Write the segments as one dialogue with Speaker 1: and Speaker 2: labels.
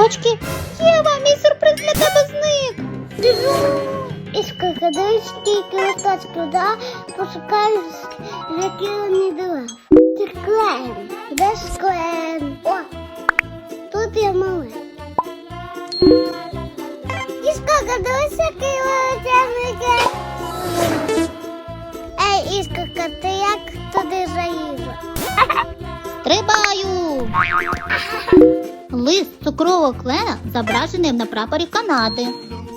Speaker 1: листочки. Єва, мій сюрприз для тебе зник.
Speaker 2: Із скільки листочків, да? Пошукаю, які вони дерев. Це клен. Де ж клен? О, тут є малий. Іскорка, дивись, який величезний. Ей, Іскорка, ти як туди заїжджа?
Speaker 1: Стрибаю! Лист цукрового клена зображений на прапорі Канади.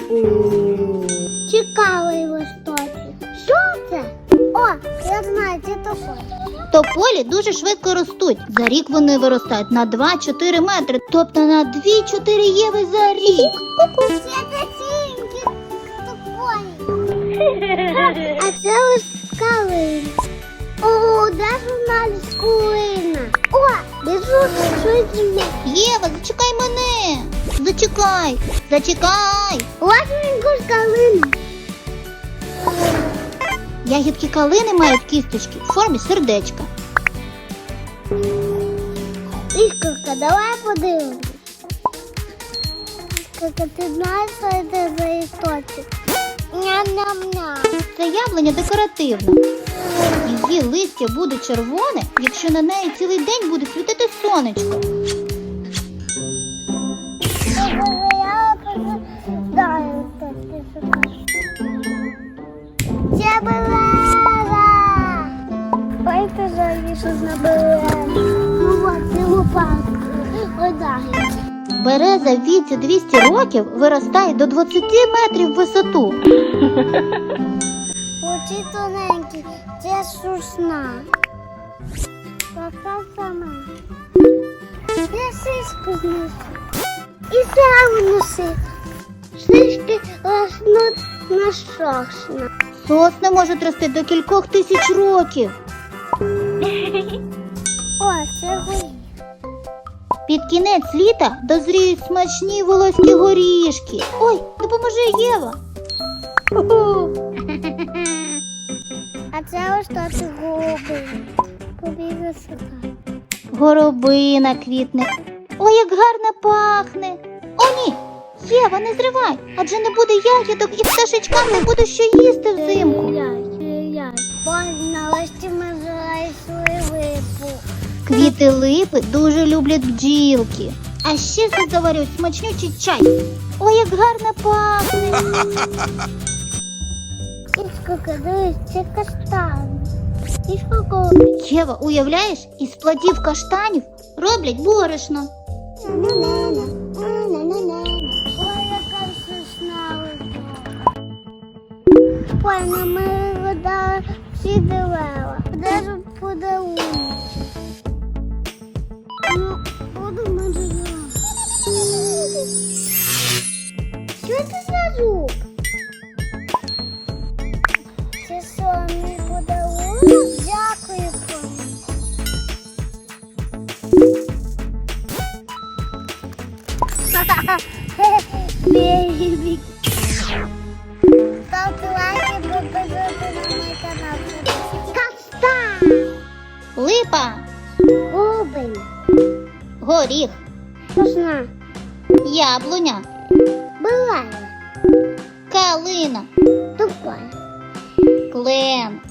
Speaker 2: Цікавий листочок. Що це? О, я знаю, це тополі.
Speaker 1: Тополі дуже швидко ростуть. За рік вони виростають на 2-4 метри, тобто на 2-4 єви за рік.
Speaker 2: Це красивенькі тополі. А це ось калина. О, де ж вона ліскулина? О, біжу, щось змі.
Speaker 1: Єва, зачекай мене! Зачекай! Зачекай!
Speaker 2: Ось він куш калини.
Speaker 1: Ягідки калини мають кісточки в формі сердечка.
Speaker 2: Іскорка, давай подивимось. Іскорка, ти знаєш, що це за істочок? Ням-ням-ням.
Speaker 1: Це яблуня декоративна. Її листя буде червоне, якщо на неї цілий день буде світити сонечко.
Speaker 2: Це береза! Ой, ти жаль, що на береза. Ну от, це лопатка. Ой, дай.
Speaker 1: Береза в віці 200 років виростає до 20 метрів в висоту.
Speaker 2: Очі тоненькі, це сосна. Така сама. Я шишку знесу. І сам носи. Шишки ростуть на сосна.
Speaker 1: Сосни можуть рости до кількох тисяч років.
Speaker 2: О, це горіх.
Speaker 1: Під кінець літа дозріють смачні волоські горішки. Ой, допоможи, Єва.
Speaker 2: А це ось тут голуби. Побігли сюди.
Speaker 1: Горобина квітне. Ой, як гарно пахне. О, ні, Єва, не зривай, адже не буде ягідок і пташечкам не буде що їсти взимку.
Speaker 2: Ой, на листі ми знайшли липу.
Speaker 1: Квіти липи дуже люблять бджілки. А ще тут заварюють смачнючий чай. Ой, як гарно пахне.
Speaker 2: Іскорка, дивись, це каштан. Іскорка.
Speaker 1: Єва, уявляєш, із плодів каштанів роблять борошно.
Speaker 2: Ой, яка сосна липа. Ой, ну ми видали всі дерева. Де ж подарунок? Ну, буду ми дерева. Що це за звук? Це що, мій подарунок? Дякую, пані. Бебі. Ставте лайки, підписуйтесь на мій канал. Каштан.
Speaker 1: Липа,
Speaker 2: Губин.
Speaker 1: горіх,
Speaker 2: Сосна.
Speaker 1: яблуня,
Speaker 2: Буває.
Speaker 1: калина,
Speaker 2: Тупая.
Speaker 1: клен,